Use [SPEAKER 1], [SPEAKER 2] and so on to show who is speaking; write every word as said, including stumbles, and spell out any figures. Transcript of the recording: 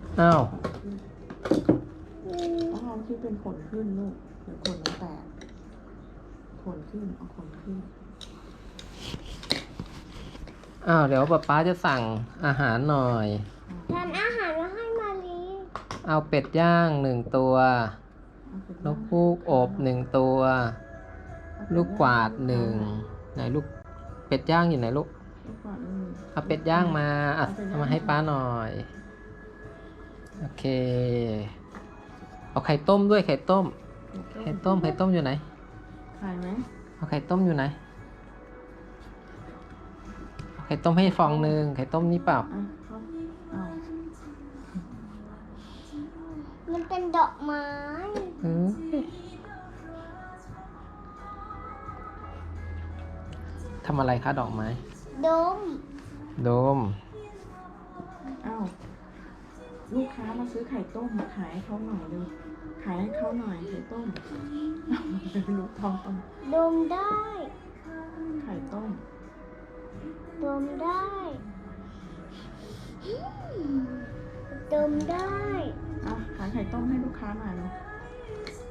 [SPEAKER 1] อ้าว
[SPEAKER 2] ต้องเอาที่เป็นขนขึ้นลูกเดี๋ยวขนมันแตกขนขึ้นเอาขนขึ้น
[SPEAKER 1] อ้าวเดี๋ยวป๊าป๊าจะสั่งอาหารหน่อย
[SPEAKER 3] ทานอาหารมาให้มาลี
[SPEAKER 1] เอาเป็ดย่างหนึ่งตัวนกฮูกอบหนึ่งตัว ลูกกวาดหนึ่งไหนลูกเป็ดย่างอยู่ไหนลูก
[SPEAKER 2] ลูกกวาดหนึ่ง
[SPEAKER 1] เอาเป็ดย่างมาอ่ะเอามาให้ป้าหน่อย โอเค เอาไข่ต้มด้วยไข่ต้ม ไข่ต้มไข่ต้มอยู่ไหน
[SPEAKER 2] ไข่ไหม
[SPEAKER 1] เอาไข่ต้มอยู่ไหนเอาไข่ต้มให้ฟองหนึ่งไข่ต้มนี่เปล่า
[SPEAKER 2] อ่ะเขาเอา
[SPEAKER 3] มันเป็นดอกไม้
[SPEAKER 1] เออทำอะไรคะดอกไม้
[SPEAKER 3] ดม
[SPEAKER 1] โดม
[SPEAKER 2] เอาลูกค้ามาซื้อไข่ต้มมาขายให้เขาหน่อยเลยขายให้เขาหน่อยไข่ต้มเป็นลูกทองต้ม
[SPEAKER 3] ดมได้
[SPEAKER 2] ไข่ต้ม
[SPEAKER 3] ดมได้ดมได้
[SPEAKER 2] อ่ะขายไข่ต้มให้ลูกค้าหน่อยเนาะ